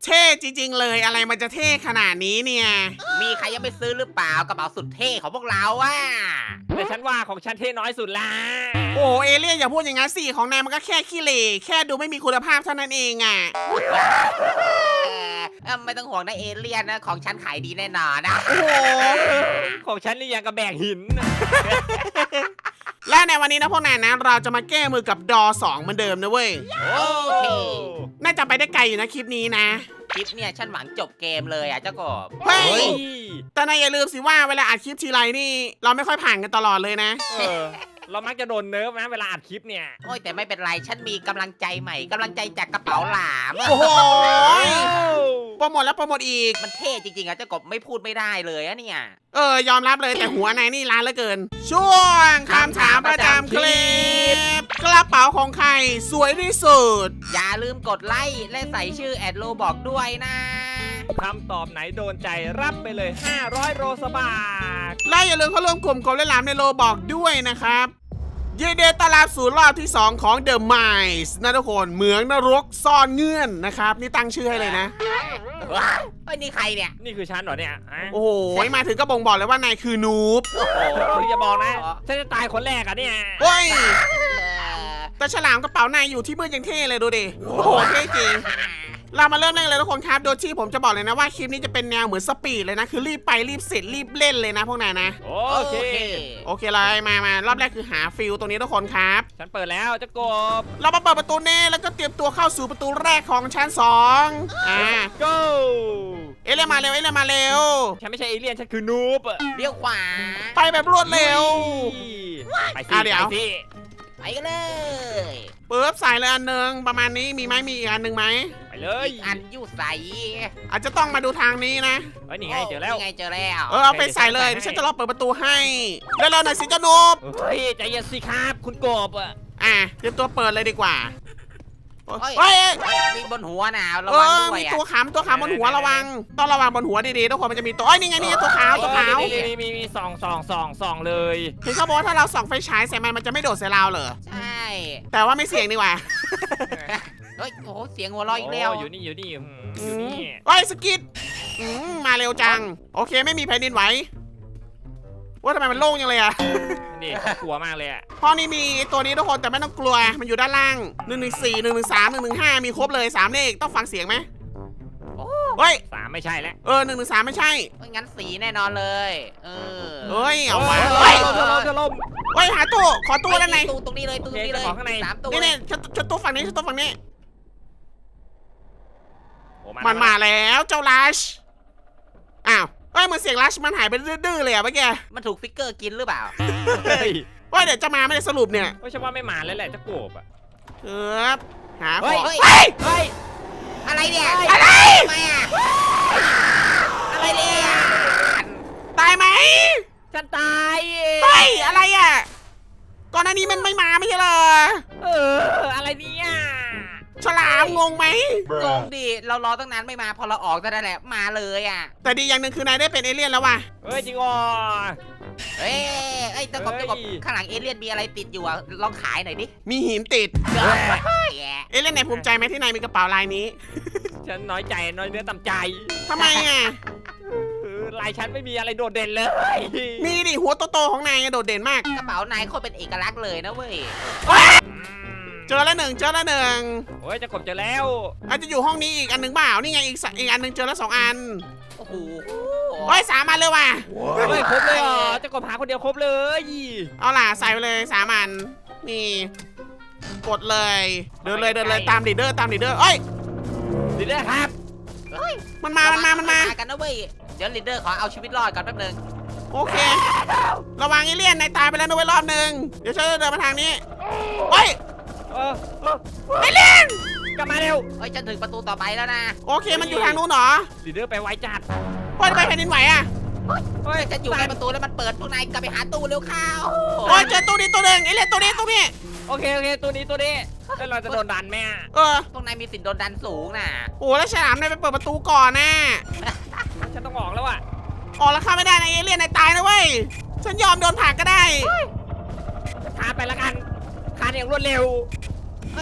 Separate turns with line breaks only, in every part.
เท่จริงๆเลยอะไรมันจะเท่ขนาดนี้เนี่ย
มีใครยังไม่ซื้อหรือเปล่ากระเป๋าสุดเท่ของพวกเราอ่ะ
แต่ฉันว่าของฉันเท่น้อยสุดละ
โอ้เอเลี่ยนอย่าพูดอย่างนั้นสิของนายมันก็แค่ขี้เหร่แค่ดูไม่มีคุณภาพเท่านั้นเองอ่ะ
ไม่ต้องห่วงนะเอเลี่ยนนะของฉันขายดีแน่นอนนะ
โอ้โห
ของฉันนี่ยังกระแบกหิน
และในวันนี้นะพวกนายนะเราจะมาแก้มือกับดอ2เหมือนเดิมนะเว้ย
โอเค
น่าจะไปได้ไกลอยู่นะคลิปนี้นะ
คลิปเนี่ยฉันหวังจบเกมเลยอ่ะเจ้ากบ
เฮ้ย
เฮ้ย
แต่นายอย่าลืมสิว่าเวลาอัดคลิปทีไรนี่ เราไม่ค่อยผ่านกันตลอดเลยนะ
เรามักจะโดนเนิร์ฟนะเวลาอัดคลิปเนี่ย
โอ้ยแต่ไม่เป็นไรฉันมีกำลังใจใหม่กำลังใจจากกระเป๋าหลาม
โอ้โหโปรโมทแล้วโปรโมทอีก
มันเท่จริงๆอ่ะเจ้ากบไม่พูดไม่ได้เลยอะเนี่ย
ยอมรับเลยแต่หัวนายนี่ล้านเหลือเกิน ช่วงคำถามประจำคลิปกระเป๋าของใครสวยที่สุด
อย่าลืมกดไลค์และใส่ชื่อแอดโลบอกด้วยนะ
คำตอบไหนโดนใจรับไปเลย 500 โรสบาท
และอย่าลืมเข้าร่วมกลุ่มกบเล่นหลามในโลบอกด้วยนะครับยินดีต้อนรับสู่รอบที่ 2 ของ The Mice นะทุกคนเหมืองนรกซ่อนเงื่อนนะครับ นี่ตั้งชื่อให้เลยนะ
ว้าวเฮ้ยนี่ใครเนี่ย
นี่คือฉันเหรอเนี่ยฮะ
โอ้โห มาถึงก็บ่งบอกเลยว่านายคือนูบ
โอ้โหอย่าบอกนะฉันจะตายคนแรกอะเนี่ย
เฮ้ย
เออ
แต่ฉลามกระเป๋านายอยู่ที่มืดยังเท่เลยดูดิ โอ้โห เท่จริง เรามาเริ่มเล่นเลยทุกคนครับ โดยที่ผมจะบอกเลยนะว่าคลิปนี้จะเป็นแนวเหมือนสปีดเลยนะ คือรีบไปรีบเสร็จรีบเล่นเลยนะพวกนายนะ
โอเค
โอเคเลยมารอบแรกคือหาฟิลตรงนี้ทุกคนครับ
ฉันเปิดแล้วเจะกบ
เรามาเปิดประตูเน่แล้วก็เตรียมตัวเข้าสู่ประตูแรกของชั้น2
go
เอเลี่ยนมาเร็วเอเลี่ยนมาเร็ว
ฉันไม่ใช่เอเลี่ยนฉันคือนูบอะ
เลี้ยวขวา
ไปแบบรวดเร็ว
ไปสิ
เดี๋ยว
ไปสิ
ไปกันเลย
เปิดใส่เลยอันหนึ่งประมาณนี้มีไหมมีอีกอันหนึ่งไหม
ไปเลย
อีกอันยู่ใส
อาจจะต้องมาดูทางนี้นะ
เฮ้ยนี่ไงเจอแล้ว
นี่ไงเจอแล้ว
เอาไปใส่เลยเดี๋ยวฉันจะรอเปิดประตูให้แล้วเราหน่อยสิเจ้านูบ
เฮ้ยใจเย็นสิครับคุณกบอะ
เตรียมตัวเปิดเลยดีกว่า
เฮ้ย
เฮ้ย
มีบนหัวนะระวังด้วย
มี
อ่ะ
ตัวขามบนหัวระวัง ต้องระวังบนหัวดีๆทุกคนมันจะมีตัวนี่ไงนี่ตัวขาวตัวขาว
นี่มีส่องเลย
เห็นเขาบอกว่าถ้าเราส่องไฟฉายใส่มันจะไม่โดดใส่เราเหรอ
ใช่
แต่ว่าไม่เสี่ยงดีกว่า
เฮ้ยโอ้โหเสียงหัวเราะอีกแล้ว
อยู่นี่อยู่นี่
เฮ้ยสกิดมาเร็วจัง โอเคไม่มีแผ่นดินไหวว่าทำไมมันโล่งจังเลยอะ
นี่กลัวมากเลยอะ
ห้องนี้มีตัวนี้ทุกคนแต่ไม่ต้องกลัวมันอยู่ด้านล่าง114 113 115มีครบเลย3เลขต้องฟังเสียงไหม
โอ้
เฮ้ย
3ไม่ใช่แล้ว
113ไม่ใช่
งั้นสีแน่นอนเลย
เฮ้ยเอามา
เฮ้
เฮ้
ย
ย
จะล่ม
เฮ้ยหาตู้ขอตู้ด้านใน
ตู้ตรงนี้เลยตู้ตรงนี้เลย
ของข้างใน
3ตู้
นี่ชุดตู้ฝั่งนี้ชุดตู้ฝั่งนี้
โอ้
มันมาแล้วเจ้าลัชอ้าวเฮ้ยเหมือนเสียงลัชมันหายไปดื้อๆเลยอะเมื่อกี้
มันถูกฟิกเกอร์กินหรือเปล่า
เฮ้ย
ว่าเดี๋ยวจะมาไม่ได้สรุปเนี่ย
ฉันว่าไม่มาแล้วแหละจะโกบอะ
ครับหาข
เฮ้
อย ง
เฮ้ย
เฮ้ย
เฮ้ย
อะไรเนี่ย
อะไร
ทำไมอ่ะอะไรเนี่ย
ตายไหม
ฉันตาย
เฮ้ยอะไรอ่ะก่อนหน้านี้มันไม่มาไม่ใช่เหรอ
อะไรเนี่ย
ฉลามงงไหม
งงดิเรารอตั้งนานไม่มาพอเราออกแต่นั่นแหละมาเลยอ่ะ
แต่ดีอย่างหนึ่งคือนายได้เป็นเอเลี่ยนแล้วว่ะ
เฮ้ยจริงอ๋อ
เอ้ยตะกบข้างหลังเอเลี่ยนมีอะไรติดอยู่อ่ะลองขายหน่อยดิ
มีหินติด
เฮ้ย
เอเลี่ยนไหนภูมิใจไหมที่นายมีกระเป๋าลายนี้
ฉันน้อยใจน้อยเนื้อต่ำใจ
ทำไมอ่ะ
ลายฉันไม่มีอะไรโดดเด่นเลย
มีดิหัวโตๆของนายโดดเด่นมาก
กระเป๋านายโคตรเป็นเอกลักษณ์เลยนะเว้ย
เจอแล้วหนึ่ง
โอ้ยจะกบเจอแล้ว
อาจจะอยู่ห้องนี้อีกอันหนึ่งเปล่านี่ไงอีกอันหนึ่งเจอแล้ว2 อัน
โอ้โห
เฮ้ย3 อันเลยว่ะ
เฮ้ยครบเลยเหรอจะกบหาคนเดียวครบเลย
เอาล่ะใส่ไปเลย3 อันนี่กดเลยเดินเลยตามลีดเดอร์เอ้ย
ดีด้วยครับ
มันมา
กันนะเว้ยเดี๋ยวลีดเดอร์ขอเอาชีวิตรอดก่อนแป๊บนึง
โอเค ระวังเอเลี่ยนนายตายไปแล้วนะเว้ยรอบหนึ่งเดี๋ยวฉันจะเดินมาทางนี้เฮ้ยเอเลี่ยน
กลับมาเร็ว
เฮ้ยฉันถึงประตูต่อไปแล้วนะ
โอเคมันอยู่ทางนู้นเหรอ
ดีเดอร์ไปไวจัด
เฮ้ยทำไมแผ่นดินไหวอ่ะ
เฮ้ย
ฉันอยู่ในประตูแล้วมันเปิดพวกนายกลับไปหาตู้เร็วเข้า
โอ้ยเจอตู้นี้ตัวหนึ่งเอเลี่ยนตัวนี้
โอเคตัวนี้แล้วเราจะโดนดันไหม
พวกนายมีสิทธิ์โดนดันสูงน่ะ
โอ้แล้วฉลามนายไปเปิดประตูก่อนนะ
ฉันต้องออกแล้วอะ
ออกแล้วเข้าไม่ได้นะเอเลี่ยนนายตายนะเว้ยฉันยอมโดนผลักก็ได้
คานไปแล้วกันคานอย่างรวดเร็ว
เฮ้ย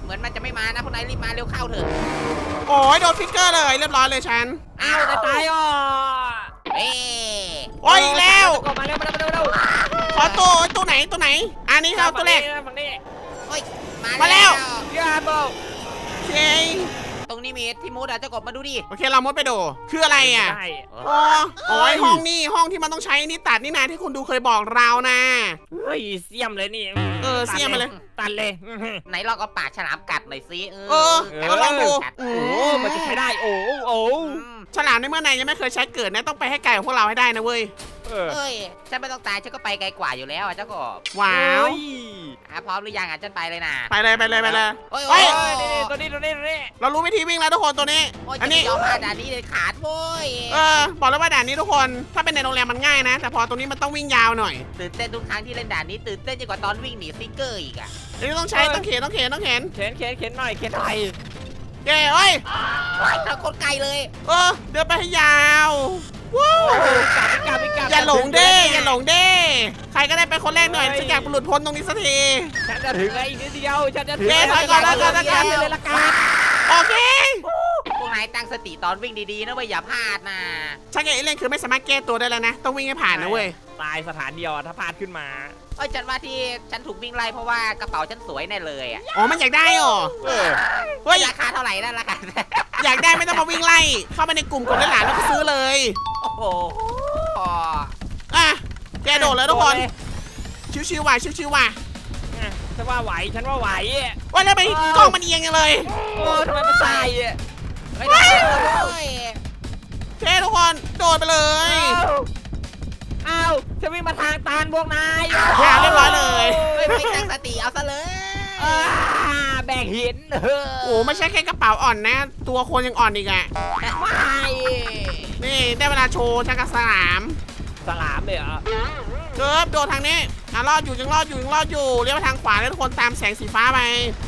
เหมือนมันจะไม่มานะพวกนายรีบมาเร็วเข้าเถอะ
โอ้ยโดนฟิกเกอร์เลยเรียบร้อยเลยฉัน
อ้าวตายอ่ะ
เอ๊ะ
โอ้ยอีกแล้ว
มาเร็วมาเร็วมาเร็ว
ขอตัวไหนอันนี้ครับตัวแรก
ฝั่งนี้
โอ้ย
มาแล้ว
ยาโบ
โอเค
ตรงนี้มีที่มุดอ่ะเจ้ากบมาดูดิ
โอเคเรามุดไปดูคืออะไรอ่ะ
ได้
อ๋อไอห้องนี่ห้องที่มันต้องใช้นี่ตัดนี่นะที่คุณดูเคยบอกเรานะ
เฮ้ยเสียมเลยนี่
เสียมมาเลย
ตัดเลย
ไหนลองเอาปากฉลามกัดหน่อยสิ
ก็ลองดู
โอ้มันจะใช้ได้โอ้โอ้
ฉลามในเมื่อนายยังไม่เคยใช้เกิดนะต้องไปให้ไกลของพวกเราให้ได้นะเว้ย
เอ้ยฉันไม่ต้องตายฉันก็ไปไกลกว่าอยู่แล้วอ่ะเจ้ากบ
ว้าว
พร้อมหรือยังอ่ะฉันไปเลยนะ
ไปเลย
โอ้ย
เฮ้
โอ้
ย
ย
ตัวนี้
เรารู้วิธีวิ่งแล้วทุกคนตัวนี้
โอ้ย
อั
จะ
น
ไม่
นี้
ยอมมาด่านนี้เลยขาดโว้ย
บอกแล้วว่าด่านนี้ทุกคน ถ้าเป็นในโรงแรมมันง่ายนะ แต่พอตรงนี้มันต้องวิ่งยาวหน่อย
ตื่นเต้นทุกครั้งที่เล่นด่านนี้ตื่นเต้นยิ่งกว่าตอนวิ่งหนีสติ๊กเกอร์อีกอ่ะ
อันนี้ต้องใช้ต้องเข็น
เข็นหน่อยเข็นหน่อย
เย้เอ้ย
ว้ายเราโคตรไกลเลย
เดินไปให้ยาวว้าวอย่าหลงเด้ใครก็ได้ไปคนแรกหน่อยฉันอยากหลุดพ้นตรงนี้สักที
ฉันจะถึงแล้วอีกนิดเดียวฉันจะถึง
ถอยก่อนแล้วกัน
เลยละกัน
โอเค
พวกนายตั้งสติตอนวิ่งดีๆนะเว้ยอย่าพลาดนะ
ฉันกับเอเลี่ยนคือไม่สามารถแก้ตัวได้แล้วนะ ต้องวิ่งให้ผ่านนะเว้ย
ตายสถานเดียวถ้าพลาดขึ้นมา
เอ้ยฉันว่าที่ฉันถูกวิ่งไล่เพราะว่ากระเป๋าฉันสวยแน่เลยอ่ะ
อ๋อมันอยากได้เหรอ เฮ้ย
ราคาเท่าไหร่นั่นราคา
อยากได้ไม่ต้องมาวิ่งไล่ เข้าไปในกลุ่มกดเล่นหลานแล้วก็ซื้อเลย
โอ้โห
อ่ะแกโดดเลยทุกคน ชิวๆว่ะ
ฉันว่าไหว
ว่าแล้วไปกล้องมันเอียงยังเลย
โอ้ทำไมมันตาย
เฮ้ยได้เลย
โอเคทุกคนโดดไปเลย
อ้าวจะวิ่งมาทางตันพวกนาย
เรียบร้อยเลย
ไม่ตั้งสติเอาซะเลย
แบกหิน
โอ้ไม่ใช่แค่กระเป๋าอ่อนนะ ตัวคนยังอ่อนอีกอ่ะ
ไม่
นี่ได้เวลาโชว์ชักกระสลาม
สลามเลยเหรอ
เกิบโดดทางนี้รอดอยู่ยังรอดอยู่เลี้ยวไปทางขวาแล้วทุกคนตามแสงสีฟ้าไป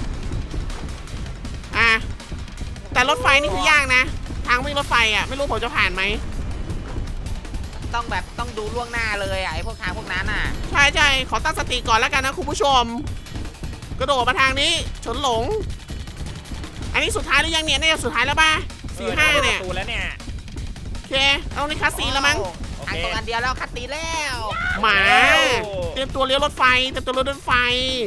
แต่รถไฟนี่คือยากนะ ทางวิ่งรถไฟอ่ะไม่รู้ผมจะผ่านไหม
ต้องดูล่วงหน้าเลยอ่ะไอ้พวกทางพวกนั้นอ่ะ
ใช่ขอตั้งสติก่อนแล้วกันนะคุณผู้ชม กระโดดมาทางนี้ชนหลง อันนี้สุดท้ายหรือยังเนี่ยน่าจะสุดท้ายแล้วป่ะ4-5เนี่ย
ตูแล้วเนี่ย
โอเคเอาในคาสีแล้วมั้ง
ทางตรงอันเดียวแล้วคัดตีแล้ว
หมาเตรียมตัวเลี้ยวรถไฟเตรียมตัวเลี้ยวรถไฟ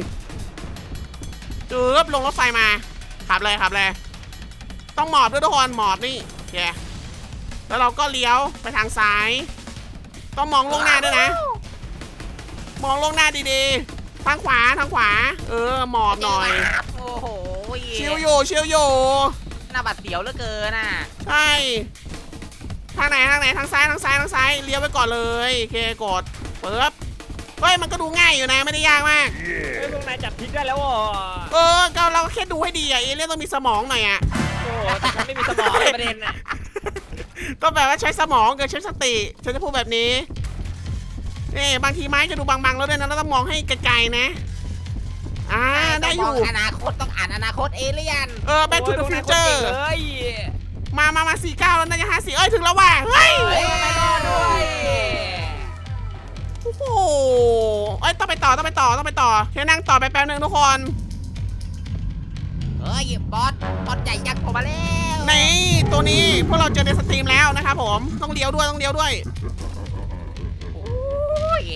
จืบลงรถไฟมาขับเลยต้องหมอบด้วยทุกคนหมอบนี่โอเคแล้วเราก็เลี้ยวไปทางซ้าย ต้องมองลงหน้าด้วยนะ มองลงหน้าดีๆทางขวาหมอบหน่อย
โอ้โห
ชิวอยู่
หน้าบัดเสียวเหลือเกินน่ะ
ใช่ทางไหนทางซ้ายเลี้ยวไปก่อนเลยโอเคกดเปิดเฮ้ยมันก็ดูง่ายอยู่นะไม่ได้ยากมาก
พวกนายจับพิษได้แล้ว
ก็เราก็แค่ดูให้ดีอ่ะเอเลี่ยนต้องมีสมองหน่อยอ่ะ
โอ้แต่ฉันไม่มีสมองประเด็นอ่ะ
ต้องแบบว่าใช้สมองกับใช้สติฉันจะพูดแบบนี้นี่บางทีไม้จะดูบางๆแล้วด้วยนะเราต้องมองให้ไกลๆนะได้อยู่
อนาคตต้องอ่านอนาคตเอเลี่ยน
Back to the Future
เลย
มา49แล้วน่าจะ50เอ้ยถึงแล้วว่ะเฮ้ย
ไม่รอดด้วย
โอ้โหต้องไปต่อแค่นั่งต่อไปแป๊บนึงทุกคน
เฮ้ยบอสใหญ่ยักษ์ผมมาแล้ว
นี่ตัวนี้พวกเราเจอในสตรีมแล้วนะครับผมต้องเลี้ยวด้วย
โอ้ย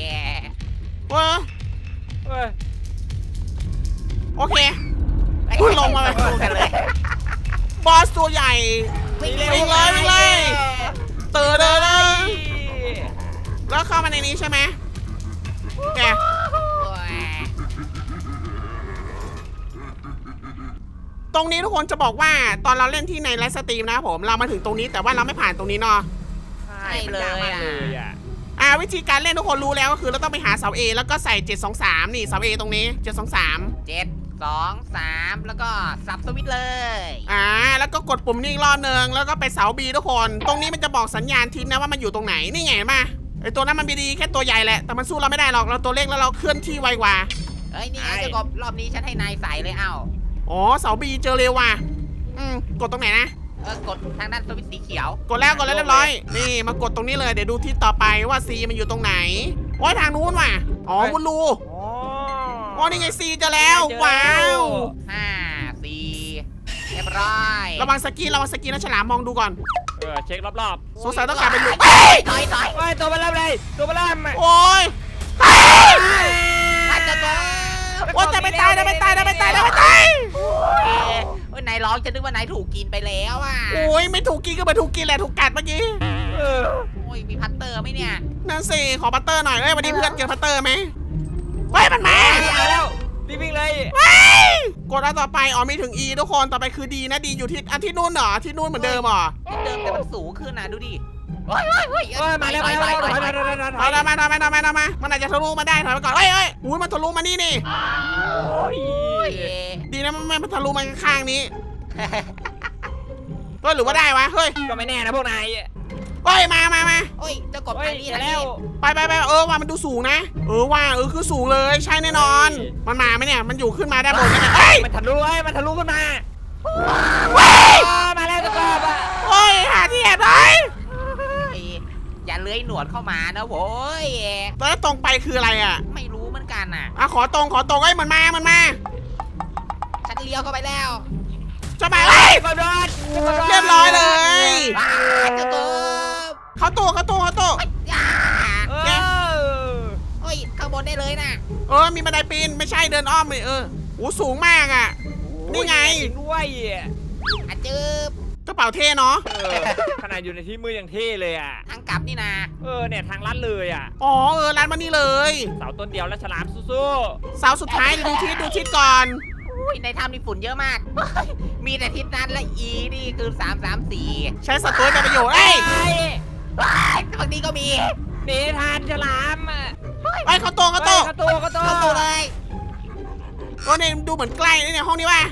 โอเคพูดลงมาเลย บอสตัวใหญ่
วิ่ง
วิ่งเลยเตือนเลยแล้วเข้ามาในนี้ใช่ไหมแกตรงนี้ทุกคนจะบอกว่าตอนเราเล่นที่ในไลฟ์สตรีมนะครับผมเรามาถึงตรงนี้แต่ว่าเราไม่ผ่านตรงนี้เนาะ
ใช่เลยอ่ะ
วิธีการเล่นทุกคนรู้แล้วก็คือเราต้องไปหาเสา A แล้วก็ใส่723นี่เสา A ตรงนี้723
7-2-3แล้วก็สับสวิตช์เลย
แล้วก็กดปุ่มนี้อีกรอบนึงแล้วก็ไปเสา B ทุกคนตรงนี้มันจะบอกสัญญาณทิศนะว่ามันอยู่ตรงไหนนี่ไงมาไอตัวนั้นมันดีแค่ตัวใหญ่แหละแต่มันสู้เราไม่ได้หรอกเราตัวเล็กแล้วเราเคลื่อนที่ไวกว่า
เฮ้ยนี่ไงเจ้ากบรอบนี้ฉันให้นายใส่เลยเอ้า
อ๋อเสา B เจอเร็วว่ะกดตรงไหนนะ
กดทางด้านสวิตช์สีเขียว
กดแล้วเรียบร้อยนี่มากดตรงนี้เลยเดี๋ยวดูทิศต่อไปว่า C มันอยู่ตรงไหนโอ้ยทางนู้นว่ะมุนรูอ๋อนี่ไง C เจอแล้วว้าว
5 4 ร้อย
ระวังสกีนะฉลามมองดูก่อน
เช็ครอบ
สงสัยต้องการเป็นลูก
ถอยถอย
ๆโอ้ยตัวมาเริ่มเลยตัวมาเริ่ม
โอ้ย
อาจจะโดน
โอ้ยแต่ไม่ตาย
โอ้ยนายร้องจะนึกว่านายถูกกินไปแล้วอ่ะ
โอ้ยไม่ถูกกินก็เหมือนถูกกินแหละถูกกัดเมื่อกี้
โอ้ยมีพัตเตอร์ไหมเนี่ย
นั่นสิขอบัตเตอร์หน่อยวันนี้เพื่อนเจอบัตเตอร์ไหมเฮ้ยมันมา
มาแล้วรีบวิ่งเลย
กดอันต่อไปมีถึง E ทุกคนต่อไปคือ D นะ D อยู่ที่อันที่นู่นเหรอที่นู่นเหมือนเดิมเหรอ
ที่เดิมแต่มันสูงขึ้นนะดูดิ
มาแล้ว
ถอยมามันอาจจะทะลุมาได้ถอยไปก่อนเฮ้ยอุ้ยมันทะลุมานี่ดีนะมันทะลุมาข้างนี้เฮ้ยหรือว่าได้วะเฮ้ย
ก็ไม่แน่นะพวกนาย
เฮ้ยมา
โอ้ยจะกบ
เฮ้
ทาย งนี้
เจอ
ทาง
แล้
นี้
ว
ไปว่ามันดูสูงนะคือสูงเลยใช่แน่นอน มันมาไหมเนี่ยมันอยู่ขึ้นมาได้บนไหมเฮ้ย
มันทะลุขึ้นมามาแล้วตะกอบอ่ะ
โอ้ยหาที่แอบเลย
อย่าเลื้อยหนวดเข้ามานะโว้ย
แล้วตรงไปคืออะไรอ่ะ
ไม่รู้เหมือนกันน่ะ
ขอตรงเอ้ยมันมา
ฉันเลี้ยวเข้าไปแล้ว
จะมาเฮ้ย
กระโดด
เรียบร้อยเลย
จะกบ
เขาตู้
โอ้ยข้างบนได้เลยนะ
มีบันไดปีนไม่ใช่เดินอ้อมเลยโอ้สูงมากอ่ะ นี่ไง
ด้วย
อาจืบ
กระเป๋าเท่เนาะ
ขนาดอยู่ในที่มือยังเท่เลยอ่ะ
ทางกลับนี่นะ
เนี่ยทางลัดเลยอ่ะ
ร้านมานี่เลย
เสาต้นเดียวแล้วฉลามสู้
เสาสุดท้ายดูทิศก่อน
อุ้ยในถ้ำนี่ฝุ่นเยอะมาก มีแต่ทิศนั้นและอีนี่คือ334
ใช้สตูเป็นประโยชน์เอ้ย
ฝั่งนี้ก็มี
หนีทานฉลาม
เขาโต
กระโต
เข้าตัวเลย
เนี่ยดูเหมือนใกล้เนี่ยห้องนี้ว่ะ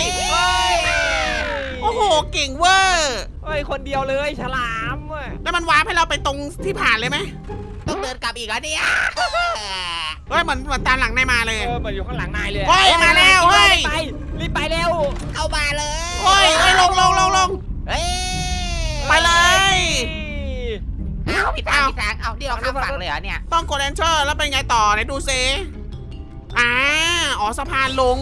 โอ้โหเก่งเวอร์
คนเดียวเลยฉลาม
แล้วมันวาร์ปให้เราไปตรงที่ผ่านเลยไหม
ต้องเดินกลับอีกเหรอเนี่ย
เหมือนตามหลังนายมาเลย
เหมือนอยู่ข้างหลังนายเลย
มาแล้ว
รีบไปเร็ว
เอามาเลย
ลง
เฮ้ย
ไปเลย
พี่ทางเอาที่เราข้ามฝั่งเลยเหรอเนี่ย
ต้องกด Enter แล้วเป็นไงต่อไหนดูซิสะพานลง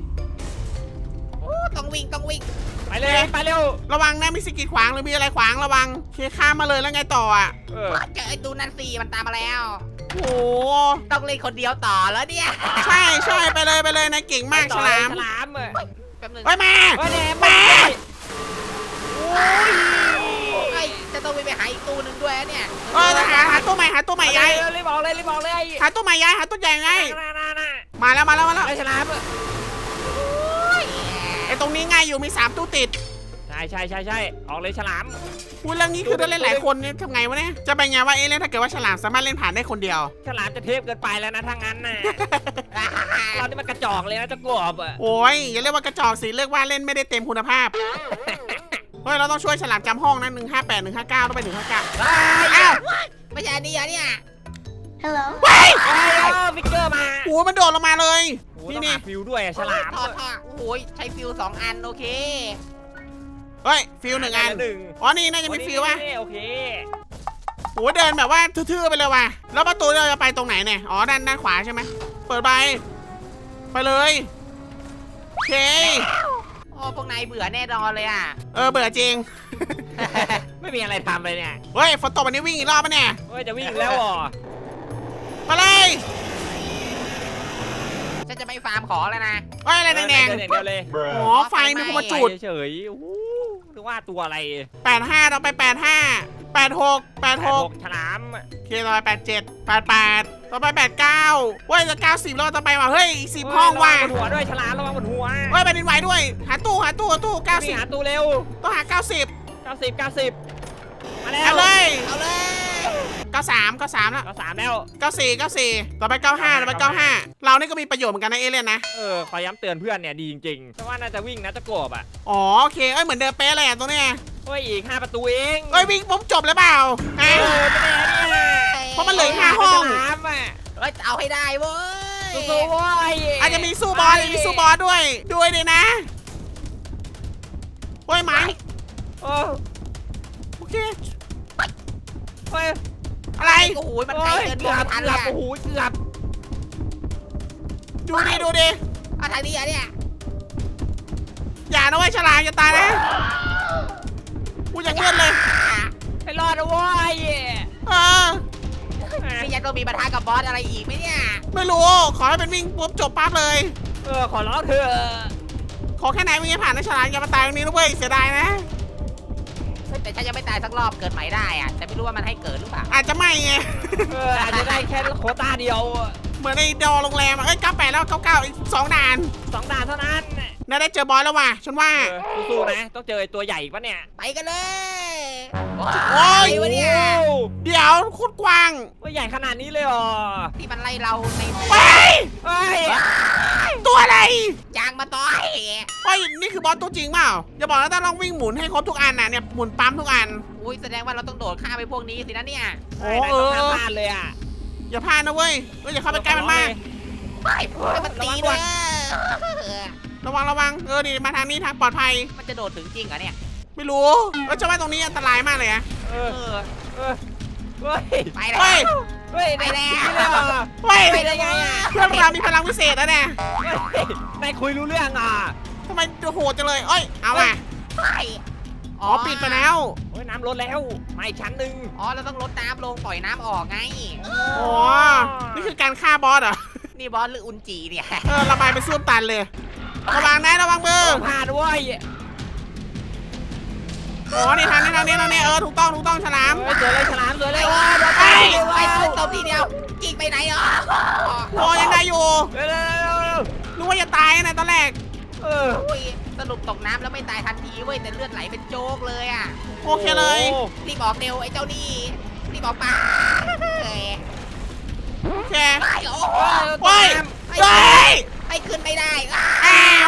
ต้องวิ่ง
ไปเลยไปเร็ว
ระวังนะมีสิ่งกีดขวางหรือมีอะไรขวางระวังเคข้ามมาเลยแล้วไงต่ออ่ะ
เจอไอ้ตูนั่นสิมันตามมาแล้ว
โอ้
ต้องเล่นคนเดียวต่อแล้วเนี่ย
ใช่ไปเลยนายเก่งมากฉลาม
แป๊บนึง
มา
จะต้องไปหาอีกตู้นึงด้วยเนี่ย
หาตัวใหม่ย้าย
รีบบอกเลย
หาตัวใหม่ย้ายหาตัวใหญ่ไงมาแล้ว
ไอ้ฉลาม
ไอ้ตรงนี้ง่ายอยู่มี3ตู้ติด
ใช่ออกเลยฉลาม
เรื่องนี้คือได้เล่นหลายคนเนี่ยทำไงวะเนี่ยจะเป็นไงว่าเล่นถ้าเกิดว่าฉลามสามารถเล่นผ่านได้คนเดียว
ฉลามจะเทพเกินไปแล้วนะทางนั้นน่ะเรานี่มันกระจอกเลยนะเจ้ากบอ่ะ
โอ้ยอย่าเรียกว่ากระจอกสิเรียกว่าเล่นไม่ได้เต็มคุณภาพเฮ้ยเราต้องช่วยฉลามจำห้องนะ158 159ต้องไป159อ้าว
ไม่ใช่นี่เนี่ย
ฟิกเกอร์มา
โอ้มันโดดลงมาเลย
นี่ฟิวด้วยฉลาม
ท่อโอ้ยใช้ฟิว2 อันโอเค
เฮ้ยฟิล1 อันนี่น่าจะมีฟิลว่ะ
โอเค
โอ้เดินแบบว่าทื่อๆไปเลยว่ะแล้วประตูเราจะไปตรงไหนเนี่ยด้านขวาใช่ไหมเปิดไปเลยโอเค
พวกนายเบื่อแน่นอนเลยอ่ะ
เบื่อจริง
ไม่มีอะไรทำเลยเนี่ย
เฮ้ยฝนตกวันนี้วิ่งอีกรอบปะเนี่ย
จะวิ่งแล้วอ่ะ
ไปเลย
ฉันจะไม่ฟาร์มของแล้วนะ
อะไรแดง
เดียวเลย
ไฟมีคนมาจุด
เฉยหรือว่าตัวอะไร
85เราไป85 86
ฉลาม
โอเคต่อไป87 88ต่อไป89เว้ยจะ90แล้วต่อไปว่ะเฮ้ยอีก10ห้องว่ะ
บนหัวด้วยฉลามระวังบนหัว
เฮ้ยแผ่นดินไหวด้วยหาตู้
หา
90
ตู้เร็ว
ต้องหา90
มาแล้ว
เอาเลย
เอาเลย
93แล้ว
3แล้ว
94ต่อไป95ต่อไป95เรานี่ก็มีประโยชน์เหมือนกันนะเอเลี่ยนนะ
ขอย้ำเตือนเพื่อนเนี่ยดีจริงๆเพราะว่าน่าจะวิ่งนะจะกบอ่ะ
โอเคเหมือนเดิมเป๊ะเลยตรงนี้
อีก5ประตูเอง
วิ่งผมจบเลยเปล่าฮะ
ไม่แน่เนี่ย
เพราะมันเหลือ5ห้อง
เอาให้ได้เว้ย
สู้ๆเว้ย
อาจจะมีสู้บอสด้วยเลยนะเฮ้ยไหมโอเค อะไร
โอ้โหมันไกลเกิน
เกือบ
ทันเลย
โอ้โหเกือบ
ดูดิ
ทางนี้อ่ะเนี่ย
อย่านะเว้ยฉลามอย่าตายนะกูอยากเลื่อนเลย
ให้รอดนะเว้ย
เออ
นี่ยังต้องมีปัญหากับบอสอะไรอีกไหมเนี่ย
ไม่รู้ขอให้เป็นวิ่งปุ๊บจบปั๊บเลย
ขอร้องเถอะ
ขอแค่ไหนวิ่งให้ผ่านนะฉลามอย่ามาตายตรงนี้นะเว้ยเสียดายนะ
แต่ฉันยังไม่ตายสักรอบเกิดใหม่ได้อะแต่ไม่รู้ว่ามันให้เกิดหรือเปล่า
อาจจะไม่ไง
อาจจะได้แค่โควต้าเดียว
เหมือนในดอโรงแรมอะเอ้ย98แล้ว99อีก2ด่าน
2 ด่านเท่านั้น
น่าได้เจอบอสแล้วว่ะฉันว่า
สู้ๆนะต้องเจอไอ้ตัวใหญ่อีกปะเนี่ย
ไปกันเลย
โอ้ย
อะไรวะเนี่ย
เดี๋ยวโคตรกว้าง
ว่าใหญ่ขนาดนี้เลยเหรอ
ที่มันไล่เราใน
ไป
เฮ้ย
ตัวอะไร
จางมาต่อย
เฮ้ยนี่คือบอสตัวจริงเปล่าอย่าบอกนะต้องลองวิ่งหมุนให้ครบทุกอันน่ะเนี่ยหมุนปั๊มทุกอัน
อุ้ยแสดงว่าเราต้องโดดข้ามไปพวกนี้สินะเนี่ย
โอ้
นายต้องห้ามพลาดเลยอ่ะ
อย่าพลาดนะเว้ยอย่าเข้าไปใกล้มันมาก
ไปให้มันตี
ระวัง
เล
ก่อน
ย
ระวังนี่มาทางนี้ทางปลอดภัย
มันจะโดดถึงจริงเหรอเนี่ย
ไม่รู้แล้วจะว่าตรงนี้อันตรายมากเลยอะ
เอ
เอ
อ
อ
เออเฮ้ย
ไปแล้ว
เฮ้ย
เฮ้ย
ไปแล้ว
นี่เลยเหรอ
เฮ้ย
ไปได้ไงอ่ะ
เพื่อนเรามีพลังวิเศษนะเนี่ย
เฮ้ยนายคุยรู้เรื่องอ่ะ
ทำไมโหดจังเลยเอ้ยเอาอ่ะ
ไป
อ๋อปิดไปแล้ว
โอ้ยน้ำลดแล้วมาอีกชั้นหนึ่ง
อ๋อเราต้องลดน้ำลงปล่อยน้ำออกไง
อ๋อนี่คือการฆ่าบอสเหรอ
นี่บอสหรืออุนจีเนี่ย
ระบายไปซ่วมตันเลย ระวังนะระวังมือ
ต้องผ่านเว้ย
อ๋อนี่ทางนี้ถูกต้องฉลาม
เฮ้ยสวยเลยฉลามสวยเลยว้าโดน
ไป
ไป
ไป
เว้ย
ตบทีเดียวกิ่งไปไหนอ๋อ
โอ้ยังได้อยู่
เร็ว
นึกว่าจะตายนะตอนแรก
เออ
อุ้ยสรุปตกน้ำแล้วไม่ตายทันทีเว้ยแต่เลือดไหลเป็นโจ๊กเลยอ่ะ
โอเคเลย
โอ้
รีบออกเร็วไอ้เจ้านี่รีบออกมาเฮ้ย
โอเค
ไปโอ้
เฮ้ย
ไป
เฮ้ย
ไปขึ้นไม่ได้
อ้าว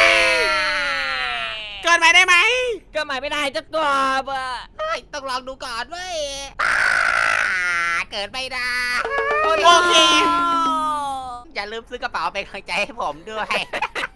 เกินไปได้ไหม
ก็หมายไม่ได้จะกบอ่ะ
เฮ้ยต้องลองดูก่อนเว้ยเกิดไม่ได้
โอเค
อย่าลืมซื้อกระเป๋าเป็นกำลังใจให้ผมด้วย